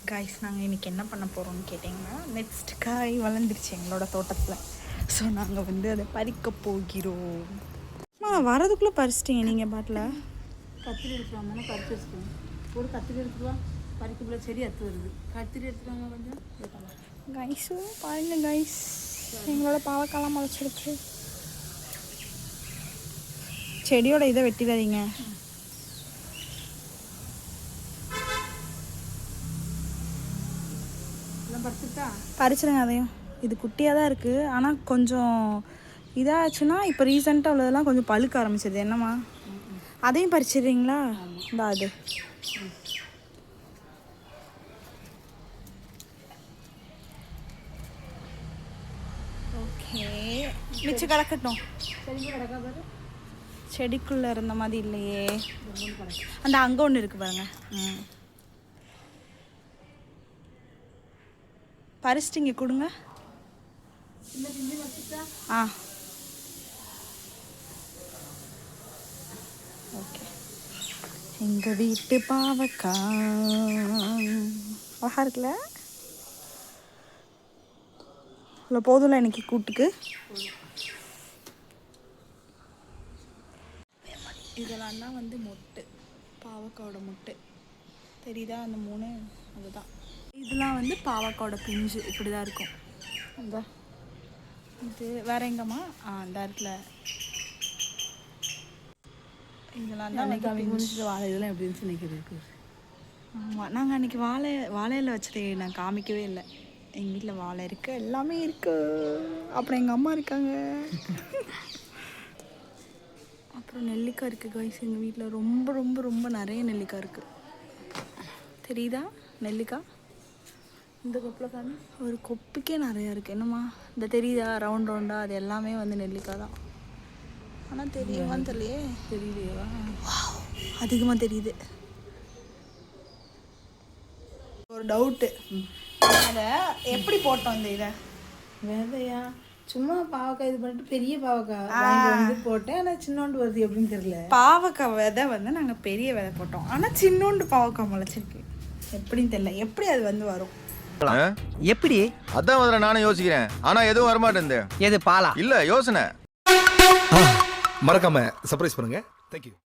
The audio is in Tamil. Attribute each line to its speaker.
Speaker 1: காய்ஸ் நாங்கள் இன்றைக்கி என்ன பண்ண போகிறோம்னு கேட்டிங்கன்னா, நெக்ஸ்ட் காய் வளர்ந்துருச்சு எங்களோட தோட்டத்தில். ஸோ நாங்கள் வந்து அதை பறிக்க போகிறோம். வரதுக்குள்ளே பறிச்சிட்டிங்க நீங்கள் பாட்டில்.
Speaker 2: கத்திரி எடுத்துருவாங்க தானே பறிச்சு வச்சுக்கோங்க. ஒரு கத்திரி எடுத்துருவா பறிக்கக்குள்ள செடி அத்து வருது. கத்திரி எடுத்துருவாங்க கொஞ்சம்.
Speaker 1: கைஸும் பாருங்கள் கைஸ், எங்களோட பாவக்காலாம் முளைச்சிருக்கு. செடியோட இதை வெட்டிடாதீங்க. பறிச்சிடுங்க அதையும். இது குட்டியாக தான் இருக்குது, ஆனால் கொஞ்சம் இதாச்சுன்னா இப்போ ரீசெண்டாக உள்ளதெல்லாம் கொஞ்சம் பழுக்க ஆரம்பிச்சிருது. என்னம்மா அதையும் பறிச்சிடுறீங்களா? இந்த அது ஓகே, மிச்சம் கிடக்கட்டும். செடிக்குள்ளே இருந்த மாதிரி இல்லையே, அந்த அங்கே ஒன்று இருக்குது பாருங்க. பறிச்சிட்டிங்க கொடுங்க. ஆ ஓகே. எங்கள் வீட்டு பாவக்காய் அழகா இருக்குல்ல? இவ்வளோ போதும்ல எனக்கு கூட்டுக்கு. இதெல்லாம் தான் வந்து மொட்டு, பாவக்காயோட மொட்டு தெரியுதா? அந்த 3 அதுதான். இதெல்லாம் வந்து பாவக்காயோட பிஞ்சு இப்படி தான் இருக்கும். இந்த இது வேற எங்கம்மா? அந்த இடத்துல இதெல்லாம் தான்
Speaker 2: வாழை இதெல்லாம் எப்படி இருந்துச்சு நினைக்கிறது.
Speaker 1: ஆமாம், நாங்கள் அன்றைக்கி வாழையில் வச்சுட்டு நான் காமிக்கவே இல்லை. எங்கள் வீட்டில் வாழை இருக்குது, எல்லாமே இருக்குது. அப்புறம் எங்கள் அம்மா இருக்காங்க. அப்புறம் நெல்லிக்காய் இருக்குது கைஸ். எங்கள் வீட்டில் ரொம்ப ரொம்ப ரொம்ப நிறைய நெல்லிக்காய் இருக்குது. தெரியுதா நெல்லிக்காய்? இந்த கொப்பில் காணி ஒரு கொப்புக்கே நிறையா இருக்குது. என்னம்மா இந்த தெரியுதா ரவுண்ட் ரவுண்டாக? அது எல்லாமே வந்து நெல்லிக்காய் தான். ஆனால் தெரியுமான்னு தெரியலையே.
Speaker 2: தெரியலையா?
Speaker 1: அதிகமாக தெரியுது. ஒரு டவுட்டு, அதை எப்படி போட்டோம் இந்த இதை?
Speaker 2: விதையா? சும்மா பாவக்காய் இது பண்ணிட்டு பெரிய பாவக்காய் வந்து போட்டேன். ஆனால் சின்னோண்டு வருது எப்படின்னு தெரியல.
Speaker 1: பாவக்காய் விதை வந்து நாங்கள் பெரிய விதை போட்டோம், ஆனால் சின்னோண்டு பாவக்காய் முளைச்சிருக்கு. எப்படின்னு தெரியல. எப்படி அது வந்து வரும்?
Speaker 3: எப்படி?
Speaker 4: அதான் முதல்ல நானும் யோசிக்கிறேன், ஆனா எதுவும் வரமாட்டேன்.
Speaker 3: எது பாலா?
Speaker 4: இல்ல யோசனை.
Speaker 5: மறக்காம சர்ப்ரைஸ் பண்ணுங்க. தேங்க்யூ.